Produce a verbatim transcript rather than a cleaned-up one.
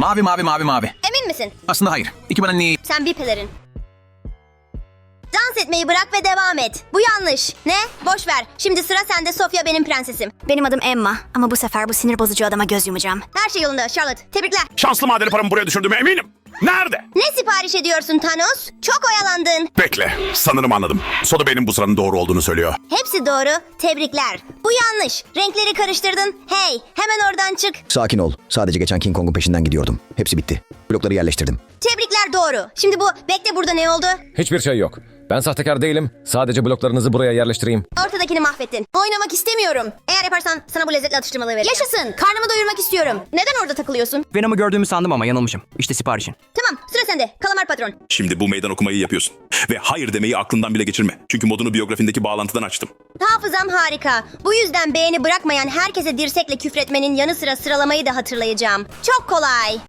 Mavi mavi mavi mavi. Emin misin? Aslında hayır. İki bana ne? Sen bir pelerin. Dans etmeyi bırak ve devam et. Bu yanlış. Ne? Boş ver. Şimdi sıra sende Sofia, benim prensesim. Benim adım Emma ama bu sefer bu sinir bozucu adama göz yumacağım. Her şey yolunda Charlotte. Tebrikler. Şanslı madeni paramı buraya düşürdüğüme eminim. Nerede? Ne sipariş ediyorsun Thanos? Çok oyalandın. Bekle. Sanırım anladım. Soda benim bu sıranın doğru olduğunu söylüyor. Hepsi doğru. Tebrikler. Bu yanlış. Renkleri karıştırdın. Hey, hemen oradan çık. Sakin ol. Sadece geçen King Kong'un peşinden gidiyordum. Hepsi bitti. Blokları yerleştirdim. Tebrikler, doğru. Şimdi bu, bekle, burada ne oldu? Hiçbir şey yok. Ben sahtekar değilim. Sadece bloklarınızı buraya yerleştireyim. Ortadakini mahvettin. Oynamak istemiyorum. Eğer yaparsan sana bu lezzetli atıştırmalığı vereceğim. Yaşasın. Karnımı doyurmak istiyorum. Neden orada takılıyorsun? Venom'u gördüğümü sandım ama yanılmışım. İşte siparişin. Tamam, sıra sende. Kalamar patron. Şimdi bu meydan okumayı yapıyorsun. Ve hayır demeyi aklından bile geçirme. Çünkü modunu biyografindeki bağlantıdan açtım. Hafızam harika. Bu yüzden beğeni bırakmayan herkese dirsekle küfretmenin yanı sıra sıralamayı da hatırlayacağım. Çok kolay.